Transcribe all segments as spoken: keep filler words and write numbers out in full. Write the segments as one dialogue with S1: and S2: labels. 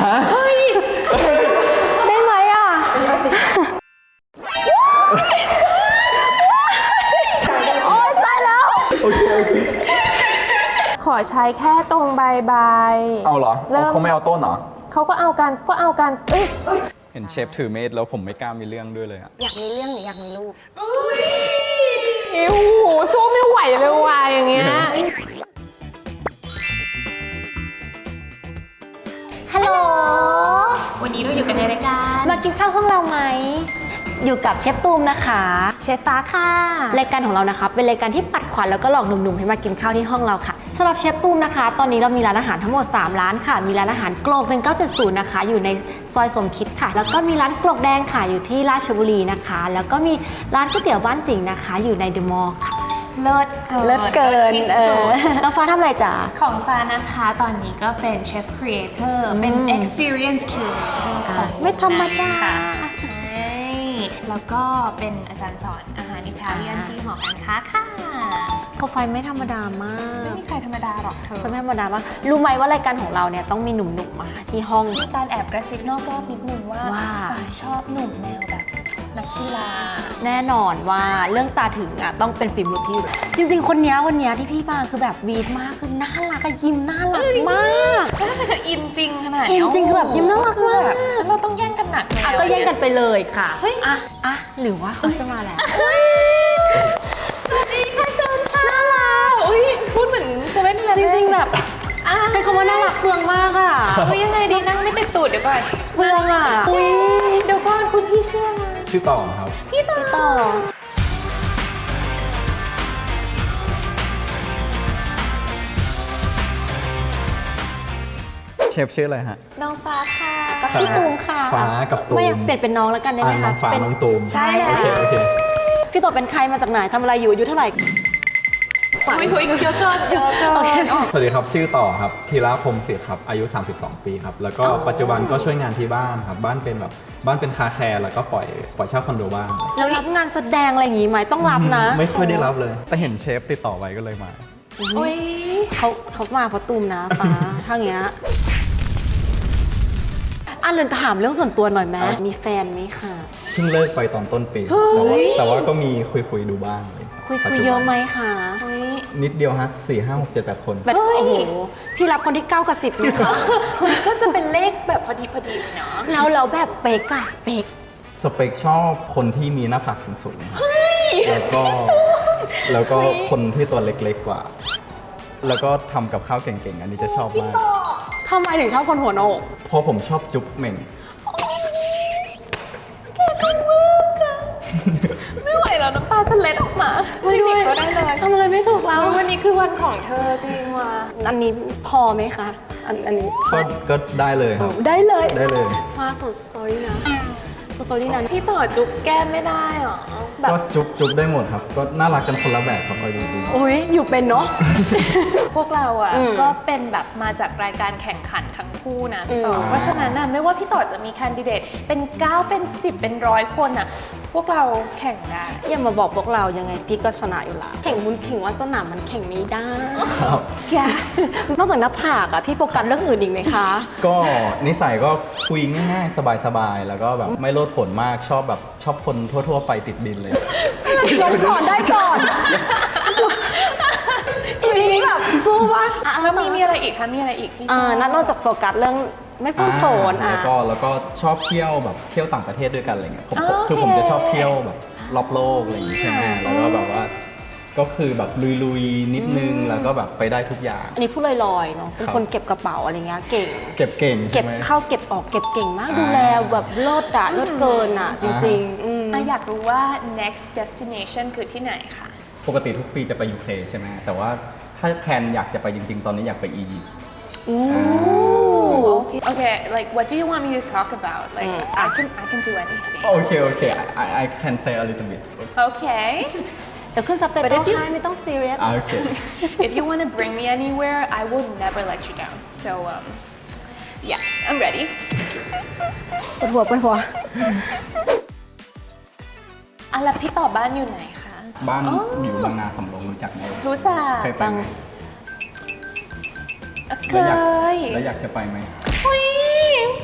S1: เฮ้ยได้ไหมอ่ะโอ๊ยตายแล้วโอเคโอเคขอใช้แค่ตรงใบใบ
S2: เอาเหรอเขาไม่เอาต้นเหรอ
S1: เขาก็เอากันก็เอากันเอ้ย
S2: เห็นเชฟถือเมดแล้วผมไม่กล้ามีเรื่องด้วยเลยอะ
S1: อยากมีเรื่องหรืออยากมีลูกโอ้โหสู้ไม่ไหวเลยว่ะอย่างเงี้ยฮัลโหลวันนี้เราอยู่กันในรายการมากินข้าวห้องเราไหมอยู่กับเชฟตูมนะคะเชฟฟ้าค่ะรายการของเรานะคะเป็นรายการที่ปัดขวัญแล้วก็หลอกหนุ่มๆให้มากินข้าวที่ห้องเราค่ะสำหรับเชฟตูมนะคะตอนนี้เรามีร้านอาหารทั้งหมดสามร้านค่ะมีร้านอาหารโกลกเป็นเก้าเจ็ดศูนย์นะคะอยู่ในซอยสมคิดค่ะแล้วก็มีร้านกลกแดงค่ะอยู่ที่ราชบุรีนะคะแล้วก็มีร้านก๋วยเตี๋ยวบ้านสิงห์นะคะอยู่ในเดอะมอลล์ค่ะ
S3: เลิศเกิน
S1: เลิศเกินเออแล้วฟ้าทำอะไรจ๊ะ
S3: ของฟ้านะคะตอนนี้ก็เป็นเชฟครีเอเตอร์เป็น experience curator ของ
S1: ไม่ธรรมดา
S3: ใช่แล้วก็เป็นอาจารย์สอนอาหารอิตาเลียนที่หอการค้าค่ะ
S1: ก็ไฟไม่ธรรมดามาก
S3: ไม่มีใครธรรมดาหรอกเธอ
S1: ไม่ธรรมดามากรู้ไหมว่ารายการของเราเนี่ยต้องมีหนุ่มๆมาที่ห้อง
S3: มีการแอบกระซิบนอกรอบนิดนึงว่าฟ้าชอบหนุ่มแนวแบบนักกีฬา
S1: แน่นอนว่าเรื่องตาถึงอ่ะต้องเป็นฝีมือพี่อยู่แล้วจริงๆคนนี้วันนี้ที่พี่มาคือแบบวีดมากคือน่ารักยิ้มน่ารักมาก
S3: ถ้าเธออินจริงขนาด
S1: อินจริงคือแบบยิ้มน่ารักมาก
S3: เราต้องแย่งกันหนัก
S1: อ่ะก็แย่งกันไปเลยค่ะเฮ้ยอ่ะอ่ะหรือว่าเขาจะมาแล้ว
S3: สวัสดีค่ะเชิญค่ะน่ารักอุ้ยพูดเหมือนเซเว่นเลย
S1: จริงๆแบบใช้คำว่าน่ารักเปลืองมากอ่ะ
S3: อุ้ยยังไงดีนั่งไม่ติดตูดเดี๋ยวก่อน
S1: เปลืองอ่ะ
S3: อุ้ยเดี๋ยวก่อนคุณพี่ชื่ออะไร
S2: ชื่อต่อครับ
S3: พี่ต่อต่อ
S2: เชฟชื่ออะไรฮะ
S3: น้องฟ้าค่ะ
S1: กับพี่ตูมค่ะ
S2: ฟ้ากับตูม
S1: ไม่อยากเปลี่ยนเป็นน้องแล้วกันได้ไหมคะ
S2: น้องฟ้าน้องตูม
S1: ใช่
S2: โอเคโอเค
S1: พี่ต่อเป็นใครมาจากไหนทำอะไรอยู่อายุเท่าไหร่
S3: คุยคุยเยอะเกินเยอะเกิน
S2: สวัสดีครับชื่อต่อครับธีระพรหมศิษย์ครับอายุสามสิบสองปีครับแล้วก็ปัจจุบันก็ช่วยงานที่บ้านครับบ้านเป็นแบบบ้านเป็นคาแคร์แล้วก็ปล่อยปล่อยเช่าคอนโดบ้าง
S1: แล้วรับงานแสดงอะไรอย่างงี้ไหมต้องรับนะ
S2: ไม่ค่อยได้รับเลยแต่เห็นเชฟติดต่อไว้ก็เลยมา
S3: โอ้ย
S1: เขาเขามาเพราะตูมนะฟ้าถ้าอย่างเงี้ยอ่ะเรนถามเรื่องส่วนตัวหน่อยไหมมีแฟนไหมคะ
S2: เพิ่งเลิกไปตอนต้นปีแต่ว่าแต่ว่าก็มีคุยคุยดูบ้าง
S1: คุยคุยเยอะไหมคะ
S2: นิดเดียวฮะสี่ห้าหกเจ็ดแปดคน
S1: แบบโอ้โหพี่รับคนที่เก้ากับสิบนะคะ
S3: ก็จะเป็นเลขแบบพอดีพอดีเนาะ
S1: แล้วเราแบบเป๊กอะเป๊ก
S2: สเปคชอบคนที่มีหน้าผากสูงๆแล้วก็แล้วก็คนที่ตัวเล็กๆกว่าแล้วก็ทำกับข้าวเก่งๆอันนี้จะชอบมาก
S1: ทำไมถึงชอบคนหัวโนก
S2: เพราะผมชอบจุ๊บเหม่ง
S3: ไม่ไหวแล้วน้ำตาจะเล็ดออกมา
S1: ไม่ด้วย
S3: ก็ได้เลย
S1: ทำอะไรไม่ถูกแล้ว
S3: วันนี้คือวันของเธอจริงว่ะ
S1: อันนี้พอไหมคะอันอันนี้
S2: ก็ก็ได้เลยครับ
S1: ได้เลย
S2: ได้เลย
S1: ฟ้าสดซอยนะสดซอยนี่นะ
S3: พี่ต่อจุ๊บแก้มไม่ได้หรอ
S2: ก็จุ๊บจุ๊บได้หมดครับก็น่ารักกันคนละแบบครับเอาจริง
S1: ๆโอ้ยอยู่เป็นเนาะ
S3: พวกเราอ่ะก็เป็นแบบมาจากรายการแข่งขันทั้งคู่นะพี่ต่อเพราะฉะนั้นน่ะไม่ว่าพี่ต่อจะมีแคนดิเดตเป็นเก้าเป็นสิบเป็นร้อยคนอ่ะพวกเราแข่งได้
S1: อย่ามาบอกพวกเรายังไงพี่ก็ชนะอยู่ละแข่งบุญแข่งวาสนามันแข่งไม่ได้แกนอกจากหน้าผากอะพี่โฟกัสเรื่องอื่นอีกไหมคะ
S2: ก็นิสัยก็คุยง่ายๆสบายๆแล้วก็แบบไม่โลดโผนมากชอบแบบชอบคนทั่วๆไปติดดินเลย
S1: ลงก่อนได้ก่อนอีพีนี้แบบสู้วะ
S3: แล้วมีมีอะไรอีกคะมีอะไรอีกที่
S1: นั่นนอกจากโฟกัสเรื่องไม่พูดโผน
S2: อ่ะแล้วก็แล้วก็ชอบเที่ยวแบบเที่ยวต่างประเทศด้วยกันอะไรเงี้ยผมคือผมจะชอบเที่ยวแบบรอบโลกอะไรอย่างงี้ใช่ไหมแล้วก็แบบว่าก็คือแบบลุยๆนิดนึงแล้วก็แบบไปได้ทุกอย่าง
S1: อันนี้พูดลอยๆเนาะเป็นคนเก็บกระเป๋าอะไรเงี้ยเก่ง
S2: เก็บเก่ง
S1: เก็บเข้าเก็บออกเก็บเก่งมากดูแลแบบเลิศอะเลิศเกินอะจริง
S3: ๆอยากรู้ว่า next destination คือที่ไหนคะ
S2: ปกติทุกปีจะไป ยู เค ใช่ไหมแต่ว่าถ้าแพลนอยากจะไปจริงๆตอนนี้อยากไปอียิปต์
S3: Okay. Okay, like what do you want me to talk about? Like mm. I can I can do anything.
S2: Okay, okay. I I can say a little bit.
S3: Okay.
S1: เดี๋ยวขึ้นซับไตเติลให้ไม่ต้อง serious.
S2: Okay.
S3: If you want to bring me anywhere, I will never let you down. So um, yeah, I'm ready.
S1: ปวดหัวปวดหัว
S3: อ่ะแล้วพี่ต่อบ้านอยู่ไหนคะ
S2: บ้านอยู่บางนาสำโรงรู้จักไหม
S3: รู้จัก
S2: เคยไป
S3: เคย
S2: แล้วอยากจะไปไหม
S3: เฮ้ย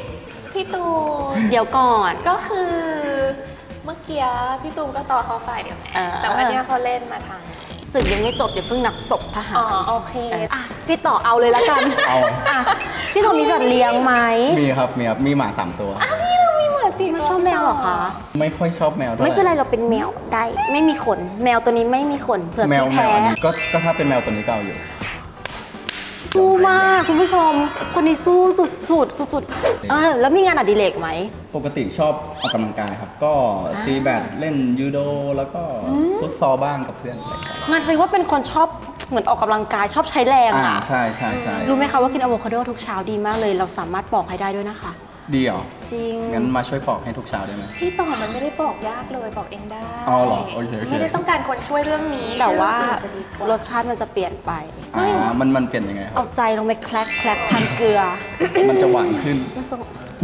S3: พี่ตูน
S1: เดี๋ยวก่อน
S3: ก็คือเมื่อกี้พี่ตูนก็ต่อเขาฝ่ายเดียวไง
S1: เออ
S3: แต่ว่าเนี่ยเขาเล่นมาทาง
S1: ศึกยังไม่จบเดี๋ยวเพิ่งนับศพทหาร
S3: อ๋อโอเค
S1: อ่ะพี่ต่อเอาเลยละกัน
S2: เอา
S1: อ่ะพี่ต่อมีสัตว์เลี้ยงไหม
S2: มีครับมีครับมีหมาสามตัว
S3: มีหมาสี่
S1: ไม่
S3: ตัว
S1: ชอบแมวเหรอคะ
S2: ไม่ค่อยชอบแมวเท่าไหร่
S1: ไม่เป็นไรเราเป็นแมวได้ ไม่มีขน แมวตัวนี้ไม่มีขนเผื่อ
S2: แมว
S1: พี่
S2: แม
S1: แพ้
S2: วอันนี้ก็ก็ถ้าเป็นแมวตัวนี้ก็เอาอยู่
S1: สู้มากคุณผู้ชม คนนี้สู้สุดสุดสุดสุดๆเออแล้วมีงานอดิเรกไหม
S2: ปกติชอบออกกำลังกายครับ ก็ตีแบดเล่นยูโดแล้วก็ฟุตซอลบ้างกับเพื่อนอะไรครับ
S1: งานคือว่าเป็นคนชอบเหมือนออกกำลังกายชอบใช้แรง
S2: อ่า
S1: อ่ะ
S2: ใช่ใช่ใช่
S1: รู้ไหมคะว่ากินอะโวคาโดทุกเช้าดีมากเลย เราสามารถปอกให้ได้ด้วยนะคะ
S2: ดีเหรอ
S1: จริง
S2: งั้นมาช่วยปอกให้ทุกเช้าได้ไหม
S3: พี่ต่อมันไม่ได้บอกยากเลยบอกเองได้
S2: อ๋อเหรอโอเคโอเค
S3: ไม่ได้ต้องการคนช่วยเรื่องนี้
S1: แต่ว่า
S3: เรื่องอื่นจะดีกว่าร
S1: สชาติมันจะเปลี่ยนไป
S2: อ่ามันมันเปลี่ยนยังไงครั
S1: เอา
S2: บ
S1: ใจลงไปแคลกแคลกทานเกลือ
S2: มันจะหวานขึ้น
S1: มันส่ง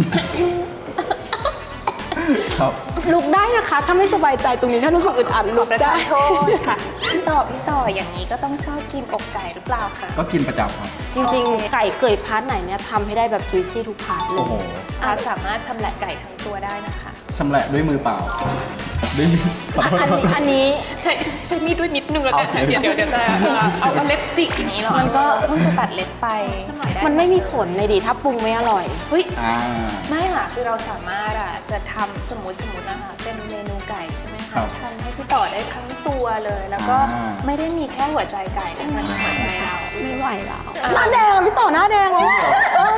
S2: ครับ
S1: ลุกได้นะคะ ถ้าไม่สบายใจตรงนี้ถ้ารู้สึกอึดอัดลุกได้
S3: โทษค่ะพี่ต่อพี่ต่ออย่างนี้ก็ต้องชอบกินอกไก่หรือเปล่าคะ
S2: ก็กินประจำครับ
S1: จริงๆ ไก่เกยพาร์ทไหนเนี่ยทำให้ได้แบบจุยซี่ทุกพาร์ทเล
S2: โอ้
S1: ย
S2: โห
S3: อาสามารถชำแหละไก่ทั้งตัวได้นะคะ
S2: ชำแหละด้วยมือเปล่าด้วยมือขอโทษ
S1: อันนี้อันนี้
S3: ใช้ใช้มีดด้วยนิดนึงแล้วกัน
S2: เอา
S3: เดี๋ยวเดี๋ยวเดี๋ยวจะเอาเอาเล็บจิกอย่างนี้เหรอ
S1: มันก็
S3: เพิ่งจะตัดเล็บไปด้
S1: มันไม่มีผลเลยดิถ้าปรุงไม่อร่อย
S3: เฮ้ย
S2: อ่า
S3: ไม่ค่ะคือเราสามารถอ่ะจะทำสมมติสมมตินะคะเป็นเมนูไก่ใช่ไหม
S2: ครั
S3: คะ
S2: บ
S3: ทำให้พี่ต่อได้ทั้งตัวเลย แล้วก็
S2: อ่า
S3: ไม่ได้มีแค่หัวใจไก่นะมันมีหัวใจเรา
S1: ไม่ไหวแล้วหน้าแดงอะพี่ต่อหน้าแดงแล้วเออ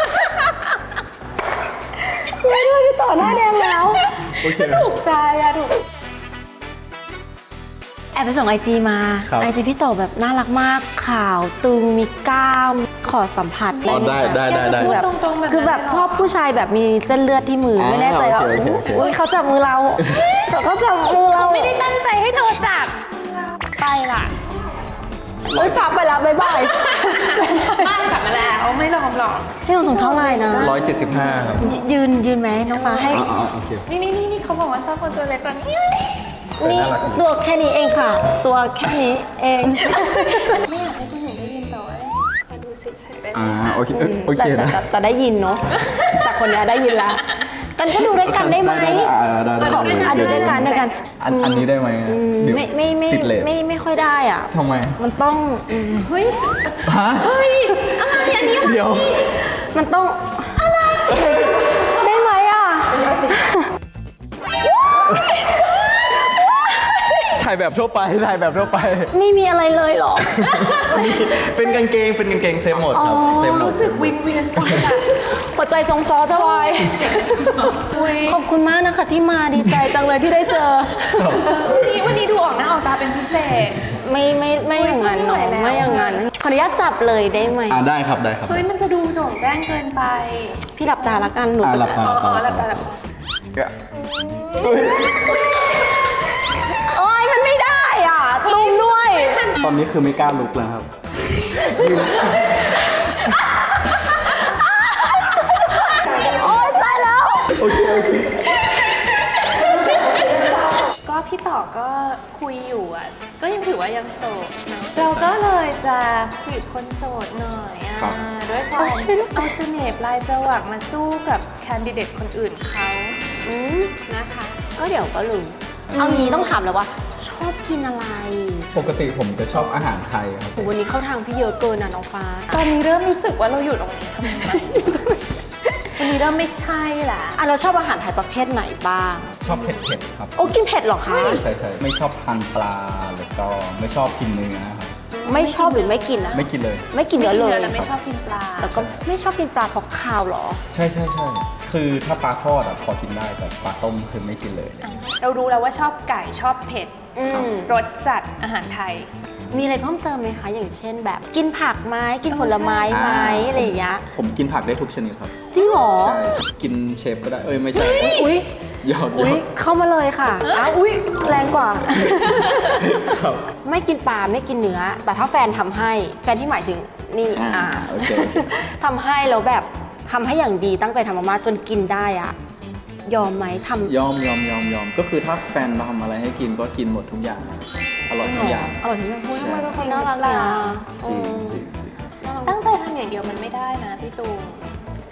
S1: ช่วยด้วยพี่ต่อหน้าแดงแล้ว
S2: โอเค
S3: ถูกใจอะถูก
S1: แอบไปส่งไอจีมา
S2: ครับ
S1: ไอจีพี่ต่อแบบน่ารักมากขาวตึงมีกล้ามขอสัมผัส
S2: อ๋อได้ได้ได้ได้
S1: คือแบบ
S3: ตรงๆแบบนั้น
S1: คือแบบชอบผู้ชายแบบมีเส้นเลือดที่มือ
S2: อ่า
S1: ไม่แน่ใจว่า
S2: โอเคโอเค
S1: อุ้ยเขาจับมือเราเขาจับมือเรา
S3: ไม่ได้ตั้งใจให้เธอจับไปล่ะ
S1: เอ้ยฝากไปแล้วบ๊ายบาย
S3: บ้านกลับมาแล้วไม่ลองหรอก
S1: พี่ต้องส่งเท่าไหร่นะ
S2: ร้อยเจ็ดสิบห้าครับ
S1: ยืนยืนไหมน้องฟ้าให้
S2: อ๋ออ๋อโอเค
S3: นี่นี่นี่นี่เขาบอกว่าชอบคนตัวเล็กตอนนี้
S1: นี่
S2: น่ารักดี
S1: ตัวแค่นี้เองค่ะ ตัวแค่นี้เอง
S3: ไม่อยากให้คนอื่นได้ยินแต่ว่าขอดูสิใครเป็น
S2: อ่าโอเคเอ้ยโอเค
S1: แต่
S2: นะ
S1: แต่แต่ได้ยินเนาะแต่คนเนี้ยได้ยินแล้วกันก็ดูด้วยกันได้ไหม
S2: ได้อ่าได้ได้
S1: ขอด้วยกันดูด้วยกันด้วยกัน
S2: อันอันนี้ได้ไหม
S1: อืม
S2: เดี๋ยว
S1: ไม่ไม่ไม่
S2: ติดเลท
S1: ไม่ไม่ค่อยได้อ่ะ
S2: ทำไม
S1: มันต้องอืม
S3: เฮ้ย
S2: ฮะ
S3: เฮ้ยอะไรอันนี้
S2: เดี๋ยว
S1: มันต้องอะไรได้ไหมอ่ะ
S2: ถ่ายแบบทั่วไปถ่ายแบบทั่วไป
S1: ไม่มีอะไรเลยเหรอ
S2: เป็นกางเกงเป็นกางเกงเซฟหมดครับ
S1: อ๋อ
S2: เซฟหมด
S3: รู้สึกวิงเวียนศีรษะ
S1: หัวใจทรงซอจะวาย
S3: อุ้ย
S1: ขอบคุณมากนะคะที่มาดีใจจังเลยที่ได้เจอ
S3: วันนี้วันนี้ดูออกหน้าออกตาเป็นพิเศษ
S1: ไม่ไม่ไม่อย่างนั้น
S3: อุ๊
S1: เนาะ
S3: ยสู้ไม่ไหวแล้ว
S1: ไม่อย่างนั้นขออนุญาตจับเลยได้ไหม
S2: อ่าได้ครับได้ครับ
S3: เฮ้ยมันจะดูโจ่งแจ้งเกินไป
S1: พี่หลับตาละกันหนู
S2: อ่า
S1: จะ
S2: หลับตา
S3: อ๋ออ๋อหลับตาหลับตา
S1: โอ้ยมันไม่ได้อ่ะตุ้มด้วย
S2: ตอนนี้คือไม่กล้าลุกแล้วครับ
S1: โอ้ยตายแล้ว
S2: โอเคโอเค
S3: ก็พี่ต่อก็คุยอยู่อ่ะ ก็ยังถือว่ายังโสดเนอะเราก็เลยจะจีบคนโสดหน่อยอ่ะ
S2: ครับ
S3: ด้วยการเอาเสน่ห์ปลายจวักมาสู้กับแคนดิเดตคนอื่นเขา
S1: อืม
S3: นะคะ
S1: ก็เดี๋ยวก็รู้เอางี้ต้องถามแล้วว่า ชอบกินอะไร
S2: ปกติผมจะชอบอาหารไทยครับ
S1: โหวันนี้เข้าทางพี่เยอะเกินนะน้องฟ้า
S3: ตอนนี้เริ่มรู้สึกว่าเราอยู่ตรงนี้ทำไมวันนี้เริ่มไม่ใช่ละ
S1: อ่ะเราชอบอาหารไทยประเภทไหนบ้าง
S2: ชอบเผ็ดๆครับ
S1: โอ้กินเผ็ดเหรอคะ
S2: ใช่ใช่ใช่ไม่ชอบทานปลาแล้วก็ไม่ชอบกินเนื้อครับ
S1: ไม่ชอบหรือไม่กินนะ
S2: ไม่กินเลย
S1: ไม่กินเนื้อเลย
S3: แล้วไม่ชอบกินปลา
S1: แล้วก็ไม่ชอบกินปลาเพราะข้าวเหรอ
S2: ใช่ใช่ใช่คือถ้าปลาทอดอะพอกินได้แต่ปลาต้มคือไม่กินเลย
S3: เรารู้แล้วว่าชอบไก่ชอบเผ็ด
S1: อืม
S3: รสจัดอาหารไทย
S1: มีอะไรเพิ่มเติมไหมคะ อย่างเช่นแบบกินผักไหมกินผลไม้
S2: อ่า
S1: ไหมอะไรอย่างเงี้ย
S2: ผมกินผักได้ทุกชนิดครับ
S1: จริงเหรอ
S2: ใช่กินเชฟก็ได้เอ้ยไม่ใช่
S1: อุ้ย
S2: หยอดหย
S1: อุ้
S2: อย ด
S1: เข้ามาเลยค่ะอ้าวอุ้ยแรงกว่า
S2: ครับ
S1: ไม่กินปลาไม่กินเนื้อ แต่ถ้าแฟนทำให้แฟนที่หมายถึงนี่
S2: อ่า
S1: อ่า
S2: โอเคโอเค
S1: ทำให้แล้วแบบทำให้อย่างดีตั้งใจทำมากๆจนกินได้อะยอมไหมทำ
S2: ยอมยอมยอมยอมก็คือถ้าแฟนทำอะไรให้กินก็กินหมดทุกอย่าง อร่อยทุกอย่าง
S1: อร่อยทุกอย่างทำไมเป็นค
S3: จริ
S1: น
S3: ง
S1: น่ารักเนี่ย
S3: หรือเปล่า
S2: จริง
S1: อืม
S2: จริง
S3: ตั้งใจทำอย่างเดียวมันไม่ได้นะพี่ตูนค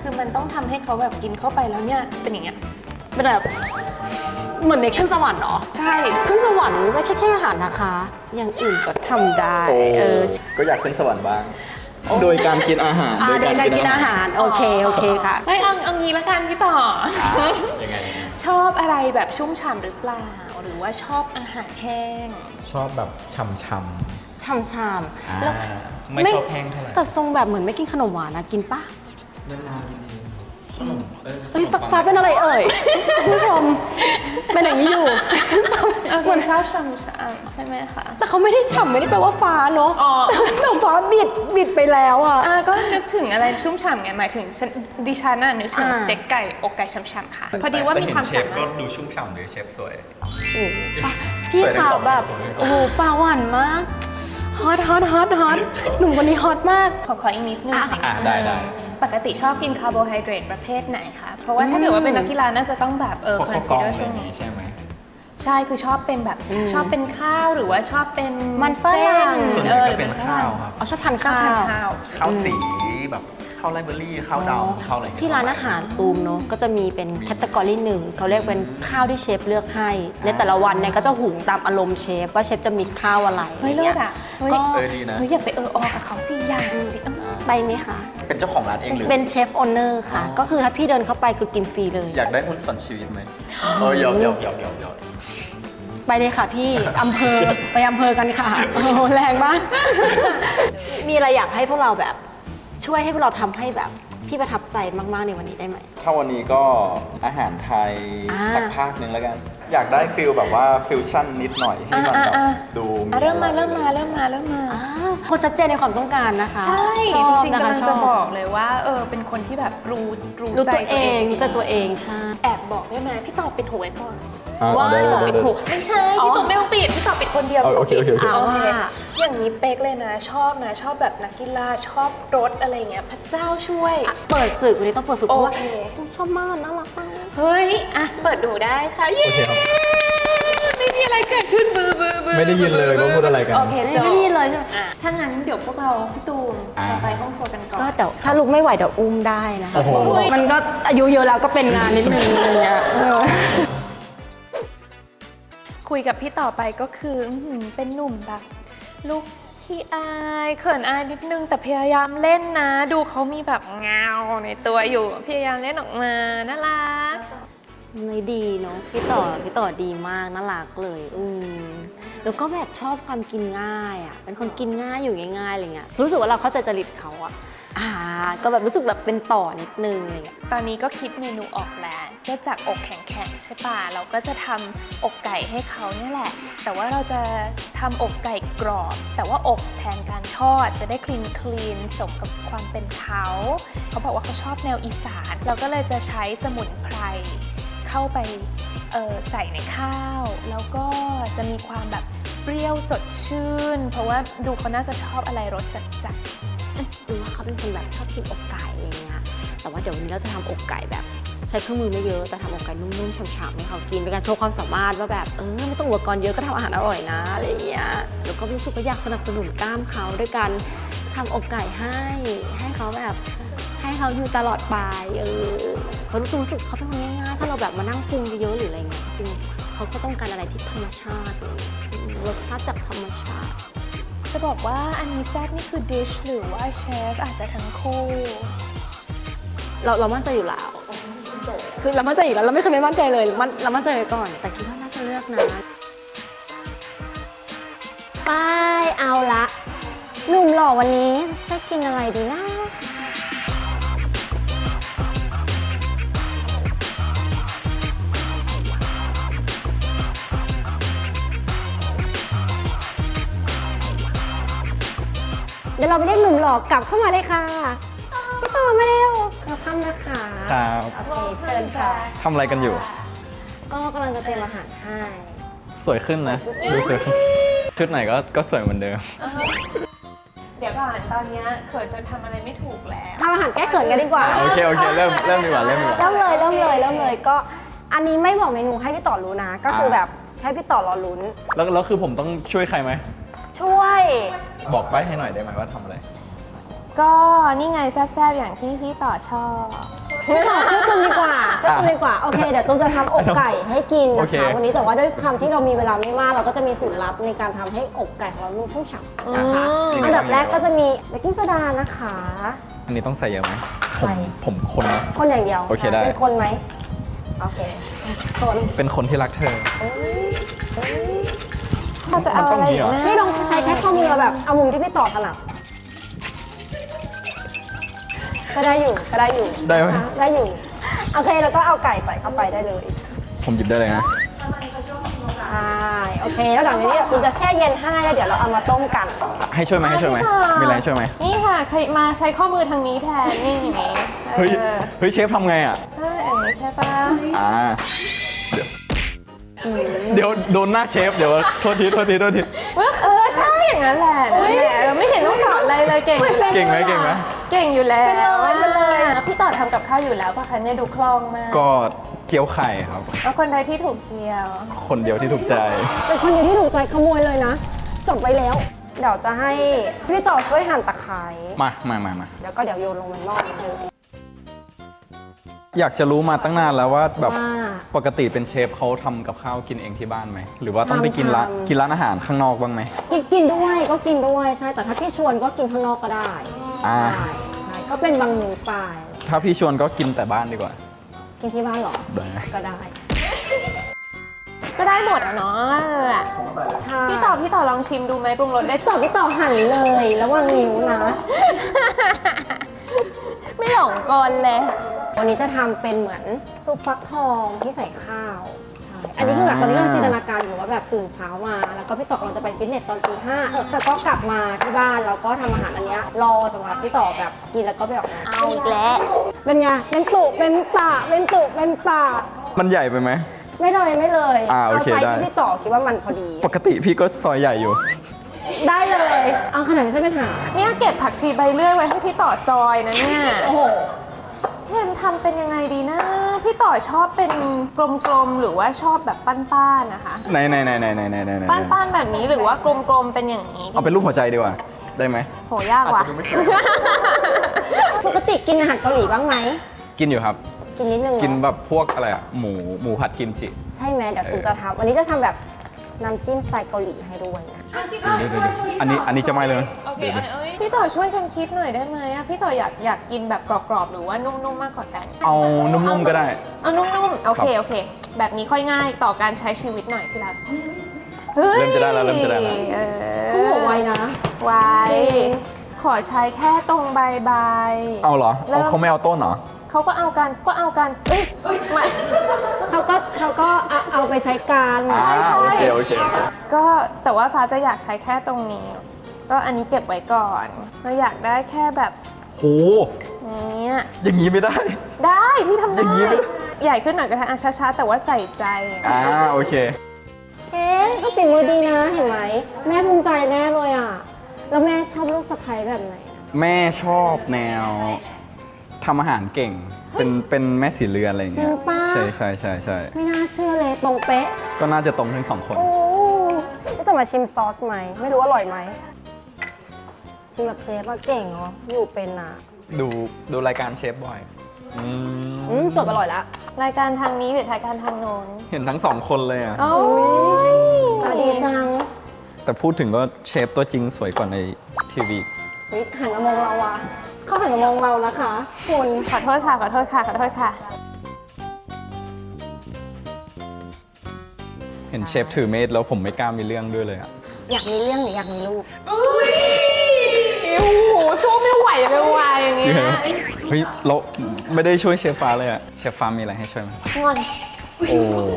S3: คือมันต้องทำให้เขาแบบกินเข้าไปแล้วเนี่ยเป็นอย่างเงี้ย
S1: เป็นแบบเหมือนในขึ้นสวรรค์เหรอ
S3: ใช่
S1: ขึ้นสวรรค์ไม่แค่แค่อาหารนะคะ อย่างอื่นก็ทำได้เออ
S2: ก็อยากขึ้นสวรรค์บ้าง โดยการกินอาหาร
S1: อ่าในการกินอาหารโอเคโอเคค่ะ
S3: เฮ้ยเอาเอางี้ละกันพี่ต่อ
S2: ยังไง
S3: ชอบอะไรแบบชุ่มฉ่ำหรือเปล่า หรือว่าชอบอาหารแห้ง
S2: ชอบแบบช่ำ
S1: ชามชาม
S2: ๆอ่า
S1: แล้ว
S2: ไม่ชอบแห้งเท่าไหร่
S1: แต่ทรงแบบเหมือนไม่กินขนมหวานนะกินปะ
S2: นานๆกินดีขนมเออ
S1: เฮ้ยฟ้าฟ้าเป็นอะไรเอ่ยคุณผู้ชมเป็นอย่างนี้อยู่
S3: โอเคชอบฉ่ำๆใช่ไหมคะ
S1: แต่เขาไม่ได้ฉ่ำไม่ได้แปลว่าฟ้าเนาะ
S3: อ๋อ
S1: แต่ฟ้าบิดบิดไปแล้วอ่ะ
S3: อ่าก็นึกถึงอะไรชุ่มฉ่ำไงหมายถึงฉันดิฉันน่ะนึกถึง
S1: อ่า
S3: สเต็กไก่อกไก่ฉ่ำๆค่ะ พอดีว่ามีความ
S2: แต่เห็นเช
S3: สา
S2: ฟ
S3: มา
S2: ก็
S3: รถ
S2: ดูชุ่มฉ่ำเลยเชฟสวย
S1: โอ้โหพี่
S2: สวยทั้ง
S1: ขา
S2: สอง
S1: แบบ
S2: สวยทั้งสอง
S1: โอ้โหปลาหวานมากฮอตฮอตฮอตฮอตหนุ่มคนนี้ฮอตมาก
S3: ขอขออีกนิดนึง
S1: อ่ะ
S2: อ่ะได้ได้
S3: ปกติชอบกินคาร์โบไฮเดรตประเภทไหนคะ เพราะว่าถ้าเกิดว่าเป็นนักกีฬาน่าจะต้องแบบเออ
S2: พวก
S3: คอน
S2: ข้าวกล้อง
S3: ซีเดอร์
S2: อะไร
S3: ช่
S2: อ
S3: วง
S2: ย่าง
S3: นี้
S2: นี้ใช่ไหม
S3: ใช่คือชอบเป็นแบบชอบเป็นข้าวหรือว่าชอบเป็น
S1: มันฝ
S3: เส้
S1: รั่
S3: น
S1: ง
S2: ส่วนให
S3: เอ
S2: ญ่
S3: อ
S2: ก็เป็นข้าวครับ
S1: อ๋อชอบทาน
S3: ชอบ
S1: ข้า
S3: ทาน
S1: ว
S3: ข้าว
S2: ข้าวสีแบบข้าวไรเบอรี่ข้าวดำข้าวอะไรอย่งเงี้ย
S1: ที่ร้านอาหารตูมเนาะก็จะมีเป็นแคตตากรีหนึ่งเขาเรียกเป็นข้าวที่เชฟเลือกให้ในแต่ละวันเนี่ยก็จะหุงตามอารมณ์เชฟว่าเชฟจะมีข้าวอะไร
S3: เฮ้ยเลิศอ่ะเฮ้ย
S1: ก็
S2: เออดีนะ
S3: เฮ้ยอย่าไปเออออกับเขาสิอย่างสิเอ้า
S1: ไปไหมคะ
S2: เป็นเจ้าของร้านเองหรือ
S1: เป็นเชฟโอนเนอร์ค่ะ ก็คือถ้าพี่เดินเข้าไปคือกินฟรีเลย
S2: อยากได้หุ้นส่วนชีวิตไหมเออหยอกหยอกหยอกหยอกหยอก
S1: ไปเลยค่ะพี่ อำเภอ ไปอำเภอกันค่ะ โอ้โหแรงมาก มีอะไรอยากให้พวกเราแบบ ช่วยให้พวกเราทำให้แบบพี่ประทับใจมาก ๆ ในวันนี้ได้ไหม
S2: ถ้าวันนี้ก็อาหารไทย
S1: อ่า
S2: สักภาคหนึ่งแล้วกัน อยากได้ฟิลแบบว่าฟิวชั่นนิดหน่อยให้มันแบบ
S3: อ่าอ่า
S2: ดู
S3: อ่ะเริ่มมา
S2: อะไ
S3: เริ่มมาเริ่มมาเริ่มมา
S1: อ่าคนชัดเจนในความต้องการนะคะ
S3: ใช่
S1: ชอบ
S3: จริงๆ
S1: นค
S3: กำลัง
S1: ช
S3: จะ
S1: บ
S3: บอกเลยว่าเออเป็นคนที่แบบรู้รู้
S1: รู้
S3: ใจ
S1: ตัวเองรู้ใจ
S3: ดี
S1: ตัวเองใช่
S3: แอบบอกได้ไหมพี่ตอบปิดหูไว้ก่อน
S2: อ่า
S1: ว่า
S2: ได้ได้
S3: ปิด
S2: ได้
S3: หูไม่ใช่
S1: อ๋อ
S3: พี่ตอบไม่ต้องปิดพี่ตอบปิดคนเดียว
S2: เอาโอเคโอเคโอเค
S3: โอเค
S1: เอาว่า
S3: อย่างนี้เป๊กเลยนะ ชอบนะ ชอบแบบนักกีฬาชอบรถอะไรเงี้ยพระเจ้าช่วย
S1: อ่ะเปิดศึกวันนี้ต้องเปิดศึกเพราะว่า
S3: โอเค
S1: ชอบมากน่ารักมาก
S3: เฮ้ยอ่ะเปิดดูได้ค่ะเย้
S2: โอเคครับ
S3: ไม่มีอะไรเกิดขึ้นบือบือบือ
S2: ไม่ได้ยินเลยว่าพูดอะไรกัน
S3: โอเค
S1: ไม่
S3: จบ
S1: ได้ยินเลยใช่ไหม
S3: อ่ะถ้างั้นเดี๋ยวพวกเราพี่ตูม
S2: อ่า
S3: จะไปห้องครัวกันก่อน
S1: ก็เดี๋ยวถ้าลุกไม่ไหวเดี๋ยวอุ้มได้นะคะ
S2: โอ้โห
S1: มันก็อายุเยอะแล้วก็เป็นงานนิดนึงอะไรเงี้ยเออ
S3: คุยกับพี่ต่อไปก็คืออื้อหือเป็นหนุ่มแบบลูกขี้อายเขินอายนิดนึงแต่พยายามเล่นนะ ดูเขามีแบบเงาในตัวอยู่พยายามเล่นออกมาน่ารัก
S1: เลยดีเนาะพี่ต่อพี่ต่อดีมากน่ารักเลยอืมแล้วก็แบบชอบความกินง่ายอ่ะเป็นคนกินง่ายอยู่ง่ายๆอะไรเงี้ยรู้สึกว่าเราเข้าใจจริตเขาอ่ะอ่าก็แบบรู้สึกแบบเป็นต่อนิดนึงอะไรเงี้ย
S3: ตอนนี้ก็คิดเมนูออกแล้วก็จากอกแข็งๆใช่ป่ะเราก็จะทำอกไก่ให้เขาเนี่ยแหละ แต่ว่าเราจะทำอกไก่กรอบ แต่ว่าอกแทนการทอดจะได้คลีนคลีนสมกับความเป็นเขาเขาบอกว่าเขาชอบแนวอีสานเราก็เลยจะใช้สมุนไพรเข้าไปเอ่อใส่ในข้าว แล้วก็จะมีความแบบเปรี้ยวสดชื่น เพราะว่าดูเขาน่าจะชอบอะไรรสจัดๆ
S1: ดูว่าเขาเป็นคนแบบชอบกินอกไก่อะไรเงี้ยแต่ว่าเดี๋ยววันนี้เราจะทำอกไก่แบบใช้เครื่องมือไม่เยอะแต่ทำอกไก่นุ่มๆฉ่ำๆให้เขากินเป็นการโชว์ความสามารถว่าแบบเออไม่ต้องอุปกรณ์เยอะก็ทำอาหารอร่อยนะอะไรเงี้ยแล้วก็รู้สึกว่าอยากสนับสนุนกล้ามเขาด้วยการทำอกไก่ให้ให้เขาแบบให้เขาอยู่ตลอดไปเออเขารู้รู้สึกเขาเป็นคนง่ายๆถ้าเราแบบมานั่งปรุงเยอะๆหรืออะไรเงี้ยจริงเขาก็ต้องการอะไรที่ธรรมชาติอะไรเงี้ยอืมรสชาติจากธรรมชาติ
S3: จะบอกว่าอันนี้แซ่บนี่คือดิชหรือว่าเชฟอาจจะทั้งคู่
S1: เราเรามั่นใจอยู่แล้ว คือเรามั่นใจอยู่แล้ว เราไม่เคยไม่มั่นใจเลยมันเรามั่นใจไว้ก่อน แต่คิดว่าน่าจะเลือกนะไปเอาละหนุ่มหล่อวันนี้จะกินอะไรดีนะ เดี๋ยวเราไปเรียกหนุ่มหล่อกลับเข้ามาเลยค่ะพี่ต่อมาเร็วเราข้ามนะคะ
S2: ครับ
S1: โอเคเชิญค่ะ
S2: ทำอะไรกันอยู่
S1: ก็กำลังจะเตรียมอาหารให้
S2: สวยขึ้นนะดูสวยขึ้นชุดไหนก็ก็สวยเหมือนเดิม
S3: เดี๋ยวก่อนตอนเนี้ยเขินจนทำอะไรไม่ถูกแล้ว
S1: ทำอาหารแก้เขินกันดีกว่า
S2: โอเคโอเคเริ่มเริ่มดีกว่าเริ่มดีกว่า
S1: เริ่มเลยเริ่มเลยเริ่มเลยก็อันนี้ไม่บอกเมนูให้พี่ต่อรู้นะ ก็คือแบบให้พี่ต่อรอลุ้น
S2: แล้วแล้วคือผมต้องช่วยใครไหม
S1: ช่วย
S2: บอกใบ้ให้หน่อยได้ไหมว่าทำอะไร
S3: ก็นี่ไงแซ่บๆอย่างที่พี่ต่อชอบ
S1: ไม่ต่อช่วยคุณดีกว่าช่วยคุณดีกว่า โอเค เดี๋ยวตุ้มจะทำอกไก่ให้กิน
S2: โอ
S1: นะ
S2: เค
S1: คะ วันนี้แต่ว่าด้วยความที่เรามีเวลาไม่มาก เราก็จะมีสูตรลับในการทำให้อกไก่ของเรานุ่มชุ่มฉ่ำนะคะ
S3: อืม
S1: อันดับแรกก็จะมีเบกกิ้งโซดานะคะ
S2: อันนี้ต้องใส่เยอะไหมผม
S1: ใส่
S2: ผมคนนะ
S1: คนอย่างเดียว
S2: โอเคได้
S1: เป็นคนไหมโอเคคน
S2: เป็นคนที่รักเธอ
S3: เราจะเอาอะไรอีกนะ
S1: นี่ลองใช้แค่ข้อมือแบบเอามุมที่พี่ต่อถนัดก็ได้อยู่ก็ได้อยู่
S2: ได้ไหม
S1: นะคะได้อยู่โอเคแล้วก็เอาไก่ใส่เข้าไปได้เลย
S2: ผมหยิบได้เลยนะ
S1: ใช่โอเคแล้วหลังจากนี้คุณจะแช่เย็นให้แล้วเดี๋ยวเราเอามาต้มกัน
S2: ให้ช่วยไหมให้ช่วยไหมมีอะไรให้ช่วยไหม
S3: นี่ค่ะใครมาใช้ข้อมือทางนี้แทนนี่อย่างนี้
S2: เฮ้ย
S3: เออ
S2: เฮ้ยเชฟทำไงอ่ะ
S3: เอออย่างนี้ใช่ปะ
S2: อ่า เดี๋ยว เดี๋ยวโดนหน้าเชฟ เดี๋ยวโทษทีโทษทีโทษที
S3: ปึ๊บเออใช่อย่างนั้นแหละนั่นแหละเออไม่เห็นต้องสอนอะไรเลยเก่งอยู่แล้ว
S2: เก่งไหมเก่งไหม
S3: เก่งอยู่แล้ว
S1: ไปเลยไปเลย
S3: แล้วพี่ต่อทำกับข้าวอยู่แล้วปะคะเนี่ยดูคล่องมาก
S2: ก็เกี๊ยวไข่ครับ
S3: แล้วคนใดที่ถูกเจียว
S2: คนเดียวที่ถูกใจ
S1: เป็นคนเดียวที่ถูกใจขโมยเลยนะจบไปแล้ว เดี๋ยวจะให้พี่ต่อช่วยหั่นตะไคร้
S2: มามามามา
S1: แล้วก็เดี๋ยวโยนลงในหม้อนิดนึง
S2: อยากจะรู้มาตั้งนานแล้วว่าแบบ
S1: ว่า
S2: ปกติเป็นเชฟเขาทำกับข้าวกินเองที่บ้านไหม หรือว่าต้องไปกินร้าน
S1: ทำ
S2: กินร้านอาหารข้างนอกบ้างไหม
S1: กินกินด้วยก็กินด้วยใช่แต่ถ้าพี่ชวนก็กินข้างนอกก็ได้
S2: อ่า
S1: ใช่ใช่ก็เป็นบางมื้อไป
S2: ถ้าพี่ชวนก็กินแต่บ้านดีกว่า
S1: กินที่บ้านเหรอ
S2: ได้
S1: ก็ได้
S3: ก็ได้หมดอ่ะเนาะเออ
S1: ใช่
S3: พี่ต่อพี่ต่อลองชิมดูไหมปรุงรสได้
S1: ต่อพี่ต่อหั่นเลยระวังนิ้วนะ
S3: ไม่หลงกลเลย
S1: วันนี้จะทำเป็นเหมือนซุปฟักทองที่ใส่ข้าวใช่อันนี้คือแบบตอนนี้เราจินตนาการอยู่ว่าแบบตื่นเช้ามา แล้วก็พี่ต่อกำลังจะไปฟิตเนสตอนตีห้าเออแล้วก็กลับมาที่บ้านแล้วก็ทำอาหารอันเนี้ยรอสำหรับพี่ต่อแบบกินแล้วก็ไปออกงาน
S3: เอาอีกแล้ว
S1: เป็นไงเป็นตุเป็นตะเป็นตุเป็นตะ
S2: มันใหญ่ไปไหม
S1: ไม่เลยไม่เลย
S2: อ่าโอเค
S1: ไซส์
S2: ได้
S1: ที่พี่ต่อคิดว่ามันพอดี
S2: ปกติพี่ก็ซอยใหญ่อยู่
S1: ได้เลยเอาขนาดไม่ใช่ปัญหา
S3: เนี่ยเก็บผักชีใบเลื่อยไว้ให้พี่ต่อซอยนะเนี่ย
S1: โอ้โห
S3: เห็นทำเป็นยังไงดีนะ พี่ต่อชอบเป็นกลมๆหรือว่าชอบแบบป้านๆนะคะ
S2: ไหนไหนไหนไหนไหนไหนไหนไหน
S3: ป้านๆแบบนี้หรือว่ากลมๆเป็นอย่างนี้
S2: เอาเป็นรูปหัวใจดีกว่า ได้ไหม
S3: โหยากว่ะ
S2: อาจจะดูไม่สวย
S1: ปกติกินอาหารเกาหลีบ้างไหม
S2: กินอยู่ครับ
S1: กินนิดนึงเหรอ
S2: กินแบบพวกอะไรอะหมูหมูผัดกิมจิ
S1: ใช่ไหมเดี๋ยวตูจะทำวันนี้จะทำแบบน้ำจิ้มสไตล์เกาหลีให้ด้วยนะ
S2: อันนี้อันนี้จะไม่เลย
S3: โอเคพี่ต่อช่วยกันคิดหน่อยได้ไหมอะพี่ต่ออยากอยากกินแบบกรอบๆหรือว่านุ่มๆมากกว่ากัน
S2: เอานุ่มๆก็ได้
S3: เอานุ่มๆโอเคโอเค แบบนี้ค่อยง่ายต่อการใช้ชีวิตหน่อยที่รักเฮ้ย
S2: เริ่มจะได้แล้วเริ่มจะได้แล้ว
S3: เออ
S1: เขาบอกไว้นะ
S3: ไว้ขอใช้แค่ตรงใบใบ
S2: เอาเหรอ
S3: เริ่
S2: เอา
S3: ม
S2: เขาไม่เอาต้นเหรอ
S3: เขาก็เอากันก็เอากันเอ้ยมา
S1: เขาก็เขาก็เอาเอาไปใช้การ
S2: อ่า
S3: ใช่
S2: โอเคโอเคโอเค
S3: ก็แต่ว่าฟ้าจะอยากใช้แค่ตรงนี้ ก็อันนี้เก็บไว้ก่อนเราอยากได้แค่แบบ
S2: โห
S3: นี้
S2: อย่างนี้ไม่ได้
S3: ได้พี่ทำ
S2: อ
S3: ได้
S2: ย่างนี้เลย
S3: ใหญ่ขึ้นหน่อยก็ได้อ่ะช้าๆแต่ว่าใส่ใจ
S2: อ่าโอเค
S1: เอ๊ะก็เป็นมือดีนะเห็นไหมแม่ภูมิใจแน่เลยอ่ะแล้วแม่ชอบลูกสะใภ้แบบไหนอะ
S2: แม่ชอบแนวทำอาหารเก่ง เป็นเป็นแม่สีเรือนอะไรอย่าง
S1: จริ
S2: เงี้
S1: ง
S2: ย
S1: ป้า
S2: ใช่ใช่ใช่ใช่
S1: ไม่น่าเชื่อเลยตรงเป๊ะ
S2: ก็น่าจะตรงทั้งสองคน
S1: โอ้จะมาชิมซอสไหมไม่รู้อร่อยไหมชิมแบบเชฟว่าเก่งเนาะอยู่เป็นอ่ะ
S2: ดูดูรายการเชฟบ่อยอืม
S1: อืมจบอร่อยแล้ว
S3: รายการทางนี้หรือรายการทางโน้น
S2: เห็นทั้งสองคนเลยอ่ะ
S3: โอ้ย
S1: ตาดีจัง
S2: แต่พูดถึงก็เชฟตัวจริงสวยกว่าในทีวี
S1: เฮ้ยหันมามองเราอะเขาหันมามองเรานะคะคุณ
S3: ขอโทษค่ะขอโทษค่ะขอโทษค่ะ
S2: เห็นเชฟถือเมดแล้วผมไม่กล้ามีเรื่องด้วยเลยอ่ะ
S1: อยากมีเรื่องหรืออยากมีลูก
S3: โอ้โหสู้ไม่ไหวเลยว่ะอย่างเงี้ย
S2: เฮ้ยเราไม่ได้ช่วยเชฟฟ้าเลยอ่ะ เชฟฟ้ามีอะไรให้ช่วยไหม
S3: งอน
S2: โอ้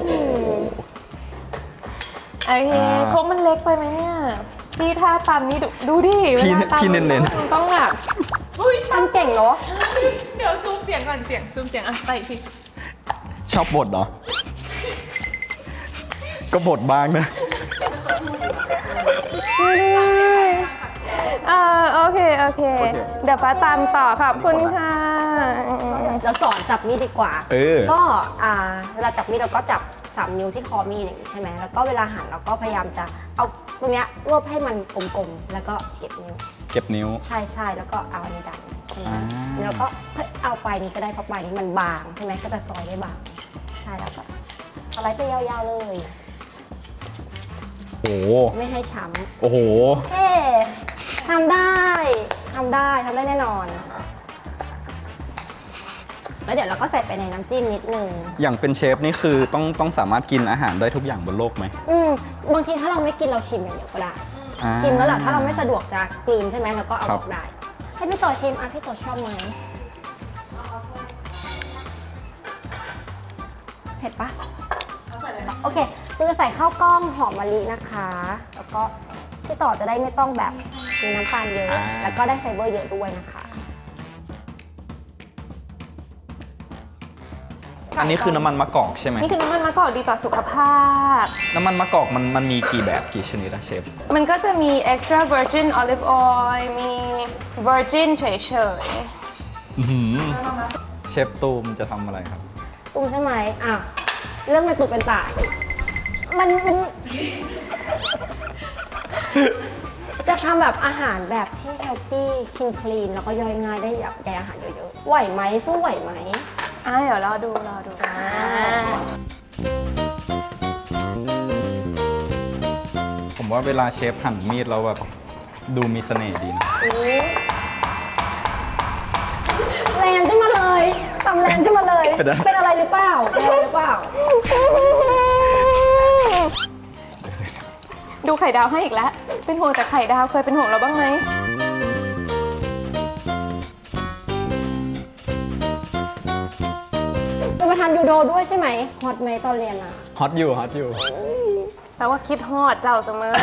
S3: ไอ้
S2: อ่า
S3: ครกมันเล็กไปไหมเนี่ยพี่ท่าตำนี่ดูดูดิ
S2: พี่
S3: วลาตำ
S2: พี่เน้นๆ
S3: มันต้องแบบ
S1: ทำเก่งเนาะ
S3: เดี๋ยวซูมเสียงก่อนเสียงซูมเสียงอ่ะไปอีกที
S2: ชอบบทเหรอ ก็บทบ้างนะ
S3: เออโอเคโอเค
S2: โอเค
S3: เดี๋ยวฟ้าตามต่อขอบคุณค่ะ
S1: เราสอนจับมีดดีกว่า
S2: เออ
S1: ก็อ่าเวลาจับมีดเราก็จับสามนิ้วที่คอมีดอย่างนี้ใช่ไหมแล้วก็เวลาหั่นเราก็พยายามจะเอาตรงเนี้ยรวบให้มันกลมๆแล้วก็เก็บนิ้ว
S2: เก็บนิ้ว
S1: ใช่ใช่แล้วก็เอาอันนี้ดันใช่ไหม
S2: อ่า
S1: แล้วก็เอาปลายนี้ก็ได้เพราะปลายนี้มันบางใช่ไหมก็จะซอยได้บางใช่แล้วก็เอาไล่ไปยาวๆเลย
S2: โอ้โห
S1: ไม่ให้ช้
S2: โอ้โห
S1: ำเฮ้ทำได้ทำได้ทำได้แน่นอน แล้วเดี๋ยวเราก็ใส่ไปในน้ำจิ้มนิดนึง
S2: อย่างเป็นเชฟนี่คือต้องต้องสามารถกินอาหารได้ทุกอย่างบนโลกไหม
S1: อืมบางทีถ้าเราไม่กินเราชิมอย่างเดียวก็ได้
S2: อ่า
S1: ชิมแล้วแหละถ้าเราไม่สะดวกจะกลืนใช่ไหมเราก็เอา
S2: ครั
S1: อบ อกได้ ให้พี่ต่อชิมอ่ะพี่ต่อชอบไหมเผ็ดปะโอเคเราจะใส่ข้าวกล้องหอมมะลินะคะ แล้วก็พี่ต่อจะได้ไม่ต้องแบบมีน้ำตาลเยอะ
S2: อ่า
S1: แล้วก็ได้ไฟเบอร์เยอะด้วยนะคะ
S2: อันนี้คือน้ำมันมะกอกใช่ไหม
S3: นี่คือน้ำมันมะกอกดีต่อสุขภาพ
S2: น้ำมันมะกอกมันมันมีกี่แบบกี่ชนิดอะเชฟ
S3: มันก็จะมี extra virgin olive oil มี virgin เฉย
S2: อื้อหือเชฟตูมจะทำอะไรครับ
S1: ตุ้มใช่ไหมอ่ะเรื่องเป็นตุเป็นตายมันมัน จะทำแบบอาหารแบบที่ healthy clean clean แล้วก็ย่อยง่ายได้แบบใยอาหารเยอะๆ ไหวไหมสู้ไหวไหม
S3: ๆอ่ะเดี๋ยวรอดูรอดู
S1: อ่า
S2: ผมว่าเวลาเชฟหั่นมีดแล้วแบบดูมีเสน่ห์ดีนะ
S1: แรงขึ้นมาเลยตำแรงขึ้นมาเลย
S2: เป็นอะไร
S1: เป็นอะไรหรือเปล่าเป็นอะไรหรือเปล่า
S3: ดูไข่ดาวให้อีกแล้ว เป็นห่วงแต่ไข่ดาวเคยเป็นห่วงเราบ้างไหม
S1: เป็นประธานยูโดด้วยใช่ไหมฮอตไหมตอนเรียนอ่ะ
S2: ฮอตอยู่ฮอตอยู่
S3: แปลว่าคิดฮอดเจ้าเสมอ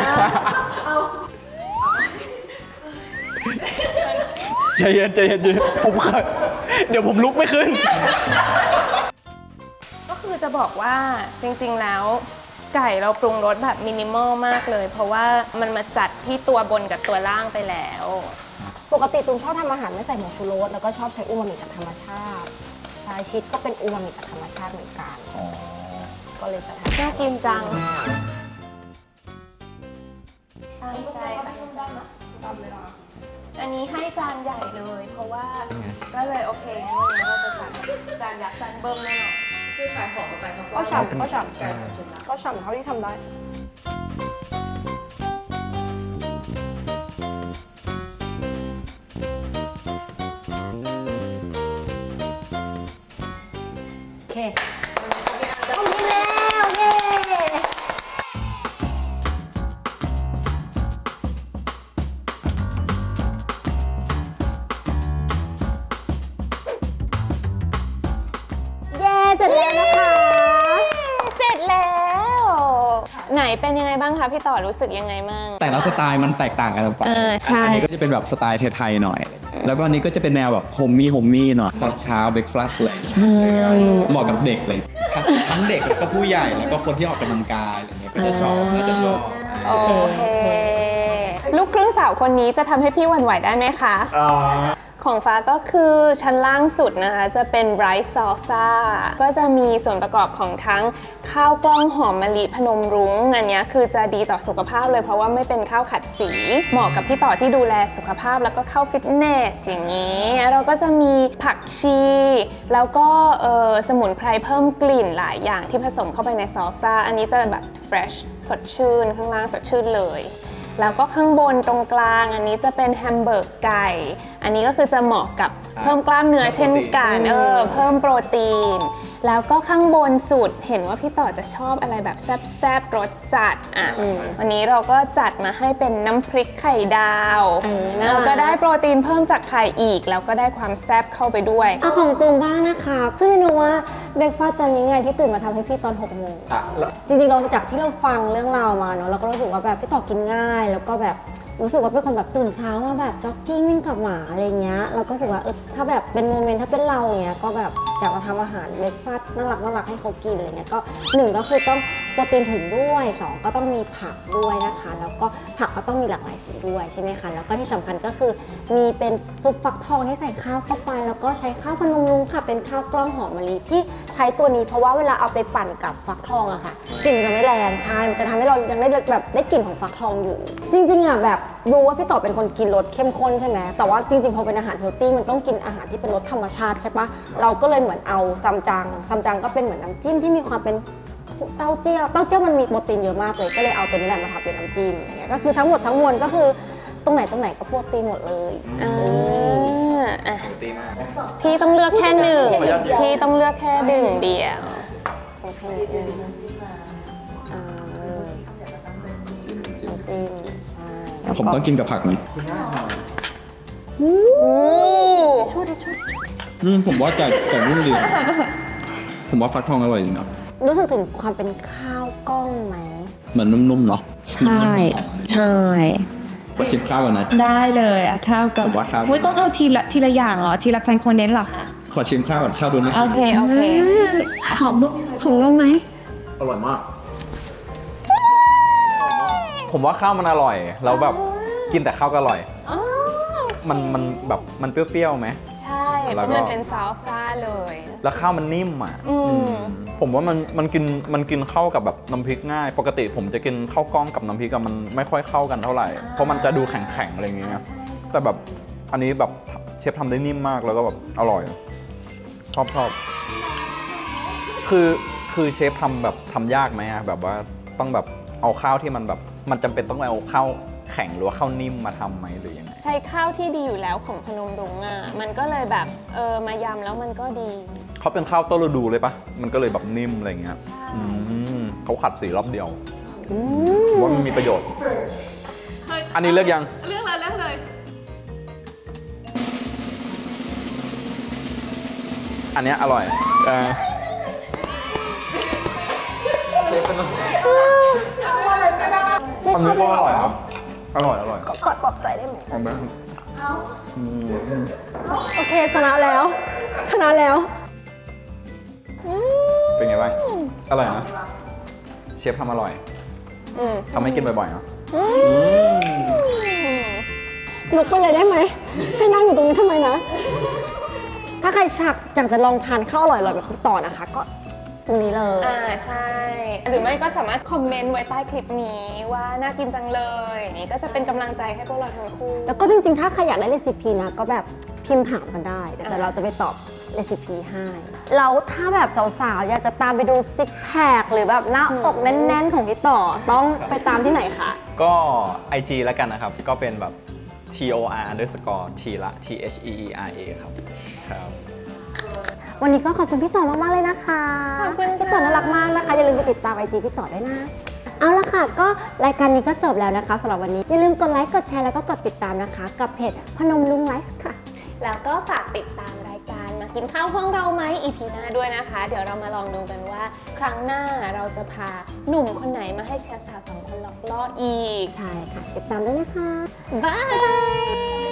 S2: ใจเย็นใจเย็นใจเย็นผมเคยเดี๋ยวผมลุกไม่ขึ้น
S3: ก็คือจะบอกว่าจริงๆแล้ว ไก่เราปรุงรสแบบมินิมอลมากเลย เพราะว่ามันมาจัดที่ตัวบนกับตัวล่างไปแล้ว
S1: ปกติตูมชอบทำอาหารไม่ใส่ผงชูรสแล้วก็ชอบใช้อูมามิจากธรรมชาติชาชิดก็เป็นอูมามิจากธรรมชาติเหมือนกันก็เลยจะทำ
S3: น่ากินจังตั้งใจอันนี้ให้จานใหญ่เลย เพราะว่าก็เลยโอเคงั้นวันนี้เราจะจัดจานยักษ์จานเบิ้มแน่นอน
S4: คือขายของกับไปเขาก็
S1: ก็ฉ่ำก็ฉ่
S4: ไก่หมดชิ้นละ
S1: ำก็ฉ่ำเท่าที่ทำได้ โอเคทำดีแล้วเย้เย้เสร็จแล้วนะคะ
S3: เสร็จแล้ว ไหนเป็นยังไงบ้างคะพี่ต่อรู้สึกยังไงบ้าง
S2: แต่ละสไตล์มันแตกต่างกันไป
S3: เออใช่
S2: อันนี้ก็จะเป็นแบบสไตล์ไทยๆหน่อย แล้วก็อันนี้ก็จะเป็นแนวแบบโฮมมี่โฮมมี่หน่อย ตอนเช้าเบรกฟาสต์เลยใช่เหมาะกับเด็กเลย ทั้งเด็กแล้วก็ผู้ใหญ่ แล้วก็คนที่ออกกำลังกายอะไรเงี้ย ก็จะชอบ น่าจะชอบ
S3: โอเค ลูกครึ่งสาวคนนี้จะทำให้พี่หวั่นไหวได้ไหมคะ ของฟ้าก็คือชั้นล่างสุดนะคะ จะเป็นไรซ์ซอลซ่าก็จะมีส่วนประกอบของทั้งข้าวกล้องหอมมะลิพนมรุ้งอันนี้คือจะดีต่อสุขภาพเลยเพราะว่าไม่เป็นข้าวขัดสี เหมาะกับพี่ต่อที่ดูแลสุขภาพแล้วก็เข้าฟิตเนสอย่างนี้เราก็จะมีผักชี แล้วก็เอ่อสมุนไพรเพิ่มกลิ่นหลายอย่างที่ผสมเข้าไปในซอลซ่าอันนี้จะแบบ fresh สดชื่นข้างล่างสดชื่นเลย แล้วก็ข้างบนตรงกลางอันนี้จะเป็นแฮมเบอร์กไก่ อันนี้ก็คือจะเหมาะกับเพิ่มกล้ามเนื้อเช่นกันเออเพิ่มโปรตีน แล้วก็ข้างบนสุดเห็นว่าพี่ต่อจะชอบอะไรแบบแซ่บๆรสจัดอ่ะวันนี้เราก็จัดมาให้เป็นน้ำพริกไข่ดาวแล้วก็ได้โปรตีนเพิ่มจากไข่อีก แล้วก็ได้ความแซ่บเข้าไปด้วย
S1: เอาของตูมบ้างนะคะซึ่งเมนูว่าเบรกฟาสต์จานนี้ไงที่ตื่นมาทำให้พี่ตอนหกโมง
S2: อ่ะแล้ว
S1: จริงๆเราจากที่เราฟังเรื่องราวมาเนาะเราก็รู้สึกว่าแบบพี่ต่อกินง่าย แล้วก็แบบรู้สึกว่าเป็นคนแบบตื่นเช้ามาแบบจ็อกกิ้งวิ่งกับหมาอะไรเงี้ยเราก็รู้สึกว่าเออถ้าแบบเป็นโมเมนต์ถ้าเป็นเราเงี้ยก็แบบอยากมาทำอาหารเบรกฟาสต์น่ารักน่ารักให้เขากินอะไรเงี้ยก็หนึ่งก็คือต้องโปรตีนถึงด้วยสองก็ต้องมีผักด้วยนะคะแล้วก็ผักก็ต้องมีหลากหลายสีด้วยใช่ไหมคะแล้วก็ที่สำคัญก็คือมีเป็นซุปฟักทองที่ใส่ข้าวเข้าไปแล้วก็ใช้ข้าวพนมรุ้งค่ะเป็นข้าวกล้องหอมมะลิที่ใช้ตัวนี้เพราะว่าเวลาเอาไปปั่นกับฟักทองอะค่ะกลิ่นมันจะไม่แรงใช่มันจะทำให้เรายังได้แบบได้กลิ่นของฟักทองอยู่ จริงๆอะแบบรู้ว่าพี่ต่อเป็นคนกินรสเข้มข้นใช่ไหมแต่ว่าจริงๆพอเป็นอาหารเฮลตี้มันต้องกินอาหารที่เป็นรสธรรมชาติใช่ปะเราก็เลยเหมือนเอาซัมจังซัมจังก็เป็นเหมือนน้ำจิ้มที่มีความเป็นเต้าเจี้ยวเต้าเจี้ยวมันมีโปรตีนเยอะมากเลยก็เลยเอาตัวนี้แหละมาทำเป็นน้ำจิ้มอย่างเงี้ยก็คือทั้งหมดทั้งมวลก็คือตรงไหนตรงไหนก็โปรตีนหมดเลย
S3: อ่าอ่ะ
S2: ตีมาก
S3: พี่ต้องเลือกแค่หนึ่งพี่ต้องเลือกแค่หนึ่งเดียว
S1: โอเคอ่าน้ำจิ้มใช่แล้ว
S2: ผม
S1: ก็
S2: ต้องกินกับผักไหม
S3: โอ้
S1: ช่วยดิช่วย
S2: อืมผมว่าไก่ไก่นุ่มดีผมว่าฟักทองอร่อยดีนะ
S1: รู้สึกถึงความเป็นข้าวกล้องไหม
S2: เหมือนนุ่มๆเนาะ
S1: ใช่ใช่
S2: ก็ชิมข้าวก่อนนะ
S4: ได้เลยอะข้าวกับ
S2: ผมว่าข้าว
S4: อุ๊ยต้องเอาทีละทีละอย่างเหรอ ทีละคอมโพเนนต์เหรอคะ
S2: ขอชิมข้าวก่อนข้าวดูนะ
S3: โอเค โอเค
S4: หอมนุ่ม
S1: ของเราไหม
S2: อร่อยมาก ผมว่าข้าวมันอร่อยแล้วแบบกินแต่ข้าวก็อร่อย มันมันแบบมันเปรี้ยวๆไหม
S3: ใช่เพ
S2: แล้ว
S3: ราะ
S2: ก็
S3: มันเป็นซาลซ่าเลย
S2: แล้วข้าวมันนิ่มอ่ะ
S3: อืม
S2: อืมผมว่ามันมันกินมันกินเข้ากับแบบน้ำพริกง่าย ปกติผมจะกินข้าวกล้องกับน้ำพริกอะมันไม่ค่อยเข้ากันเท่าไหร่ เพราะมันจะดูแข็งๆอะไรอย่างเงี้ยแต่แบบอันนี้แบบเชฟทำได้นิ่มมากแล้วก็แบบอร่อย ชอบชอบคือคือเชฟทำแบบทำยากไหมอะแบบว่าต้องแบบเอาข้าวที่มันแบบมันจำเป็นต้องเอาข้าวแข็งหรือว่าข้าวนิ่มมาทำไหมหรือยังไง
S3: ใช้ข้าวที่ดีอยู่แล้วของพนมรุ้งอ่ะ มันก็เลยแบบเออมายำแล้วมันก็ดี
S2: เขาเป็นข้าวต้นฤดูเลยปะมันก็เลยแบบนิ่มอะไรเงี้ย
S3: ใช่
S2: อืมเขาขัดสีรอบเดียวว่ามันมีประโยชน์ อันนี้เลือกยัง
S3: เลือกเลยเลือกเลย
S2: อันเนี้ยอร่อยเออเชฟเป็นอันนี้ก็อร่อยครับ อร่อย อร่อย
S1: กอดปลอบใจได้ไหม
S2: เอาไหมอืม
S1: โอเคชนะแล้ว ชนะแล้ว
S2: เป็นไงบ้าง อร่อยนะ เชฟทำอร่อย
S3: อืม
S2: ทำให้กินบ่อยๆเนาะ
S3: อืม
S2: อืม
S1: ลุกไปเลยได้ไหมให้นั่งอยู่ตรงนี้ทำไมนะ ถ้าใครชักอยากจะลองทานข้าวอร่อยๆแบบคุณต่อนะคะ ก็ตรงนี้เลย
S3: อ่าใช่ หรือไม่ก็สามารถคอมเมนต์ไว้ใต้คลิปนี้ว่าน่ากินจังเลยอย่างนี้ก็จะเป็นกำลังใจให้พวกเราทั้งคู่
S1: แล้วก็จริงๆ ถ้าใครอยากได้เรซิปีนะ ก็แบบพิมพ์ถามกันได้เดี๋ยวเราจะไปตอบเรซิปีให้แล้วถ้าแบบสาวๆ อยากจะตามไปดูซิกแพคหรือแบบหน้าอกแน่นๆ ของพี่ต่อ ต้องไปตามที่ไหนคะ
S5: ก็ ไอ จี แล้วกันนะครับ ก็เป็นแบบ T O R underscore T ละ T H E E R A ครับ ครับ
S1: วันนี้ก็ขอบคุณพี่ต่อมากๆเลยนะคะ
S3: ขอบคุณค่ะ
S1: พี่ต่อน่ารักมากนะคะ อย่าลืมไปติดตามไอจีพี่ต่อด้วยนะ เอาละค่ะ ก็รายการนี้ก็จบแล้วนะคะสำหรับวันนี้ อย่าลืมกดไลค์ กดแชร์ แล้วก็กดติดตามนะคะ กับเพจพนมรุ้งไลฟ์ค่ะ
S3: แล้วก็ฝากติดตามรายการมากินข้าวห้องเราไหม อี พี หน้าด้วยนะคะ เดี๋ยวเรามาลองดูกันว่า ครั้งหน้าเราจะพาหนุ่มคนไหนมาให้เชฟสาวสองคนหลอกล่ออีก
S1: ใช่ค่ะ ติดตามด้วยนะคะ
S3: บาย